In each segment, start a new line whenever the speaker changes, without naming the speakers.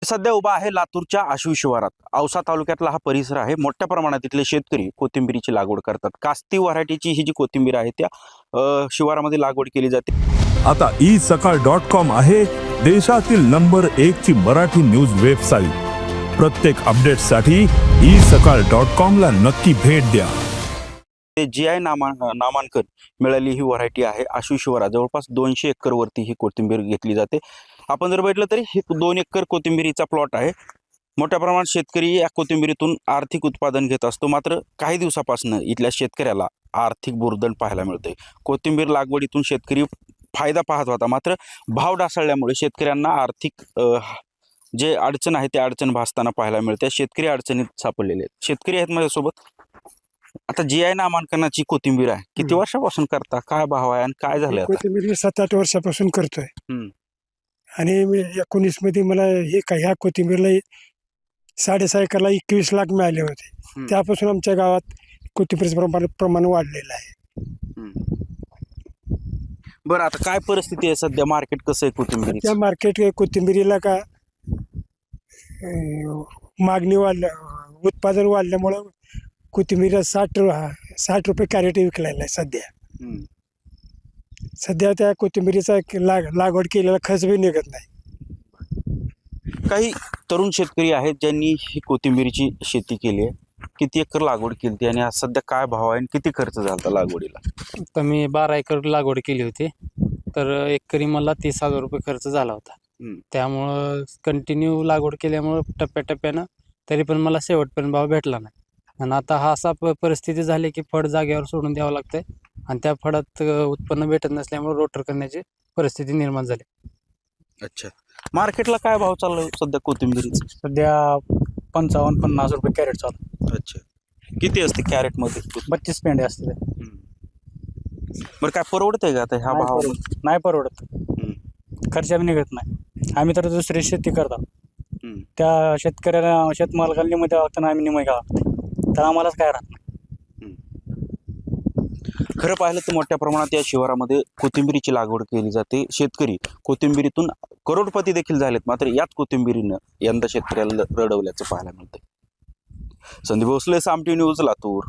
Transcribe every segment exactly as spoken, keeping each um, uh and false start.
सध्या उभा आहे लातूरच्या आश्वी शिवारात. औसा तालुक्यातला हा परिसर आहे. मोठ्या प्रमाणात इथले शेतकरी कोथिंबीरीची लागवड करतात. कास्ती व्हरायटीची ही जी कोथिंबीर आहे त्या अ, शिवारामध्ये लागवड केली जाते.
आता ई सकाळ डॉट कॉम आहे देशातील नंबर एक ची मराठी न्यूज वेबसाईट. प्रत्येक अपडेटसाठी ई सकाळ डॉट कॉम ला नक्की भेट द्या.
जी आय नामा नामांकन मिळाली ही व्हरायटी आहे. आश्वी शिवारात जवळपास दोनशे एकर वरती ही कोथिंबीर घेतली जाते. आपण जर बघितलं तरी हे दोन एकर कोथिंबीरीचा प्लॉट आहे. मोठ्या प्रमाणात शेतकरी या कोथिंबीरीतून आर्थिक उत्पादन घेत असतो. मात्र काही दिवसापासून इथल्या शेतकऱ्याला आर्थिक बुरदण पाहायला मिळते. कोथिंबीर लागवडीतून शेतकरी फायदा पाहत होता, मात्र भाव ढासळल्यामुळे शेतकऱ्यांना आर्थिक जे अडचण आहे ते अडचण भासताना पाहायला मिळते. शेतकरी अडचणीत सापडलेले आहेत. शेतकरी आहेत माझ्यासोबत. आता जी आय नामांकनाची कोथिंबीर आहे, किती वर्षापासून करता, काय भाव आहे आणि काय झालं?
कोथिंबीर सात आठ वर्षापासून करतोय. आणि मी एकोणीस मध्ये मला हे काय ह्या कोथिंबीरला साडेसहा एकरला एकवीस लाख मिळाले होते. त्यापासून आमच्या गावात कोथिंबीरचं प्रमाण प्रमाण वाढलेलं आहे.
बरं, आता काय परिस्थिती आहे सध्या? मार्केट कसं आहे कोथिंबीर?
त्या मार्केट कोथिंबीरीला का मागणी वाढल्या, उत्पादन वाढल्यामुळं कोथिंबीर साठ साठ रुपये कॅरेट विकलेला आहे सध्या. सध्या त्या कोथिंबीरीचा लाग लागवड केलेला खर्च बी निघत नाही.
काही तरुण शेतकरी आहेत ज्यांनी ही कोथिंबीरीची शेती केली आहे. किती एकर लागवड केली आणि आज सध्या काय भाव आहे आणि किती खर्च झाला लागवडीला?
तर मी बारा एकर लागवड केली होती. तर एकरी मला तीस हजार रुपये खर्च झाला होता. त्यामुळं कंटिन्यू लागवड केल्यामुळं टप्प्याटप्प्यानं तरी पण मला शेवटपर्यंत भाव भेटला नाही. आणि आता हा असा परिस्थिती झाली की फळ जागेवर सोडून द्यावं लागतंय आणि त्या फळात उत्पन्न भेटत नसल्यामुळे रोटर करण्याची परिस्थिती निर्माण झाली.
अच्छा, मार्केटला काय भाव चालू सध्या कोथिंबीरीचा?
सध्या पंचावन्न पन्नास रुपये कॅरेट चालू.
अच्छा, किती असते कॅरेट मध्ये?
बत्तीस पेंडे असते.
बरं, काय परवडतंय का आता ह्या भाव?
नाही परवडत, खर्च निघत नाही. आम्ही तर दुसरी शेती करतो, त्या शेतकऱ्याला शेतमालकाला निम द्यावं लागतं, आम्ही निम घ्यावं लागतं, तर आम्हालाच काय राहत नाही.
खरं पाहिलं तर मोठ्या प्रमाणात या शिवारामध्ये कोथिंबीरीची लागवड केली जाते. शेतकरी कोथिंबीरीतून करोडपती देखील झालेत. मात्र याच कोथिंबीरीनं यंदा शेतकऱ्याला रडवल्याचं पाहायला मिळतंय. Sandeep Bhosale, Saam TV news, Latur.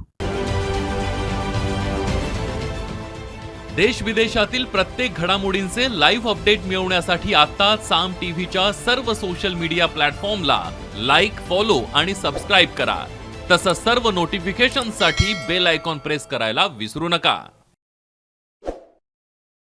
देश विदेशातील प्रत्येक घडामोडींचे लाईव्ह अपडेट मिळवण्यासाठी आता साम टीव्हीच्या सर्व सोशल मीडिया प्लॅटफॉर्मला लाईक, फॉलो आणि सबस्क्राईब करा. तसंच सर्व नोटिफिकेशनसाठी बेल आयकॉन प्रेस करायला विसरू नका.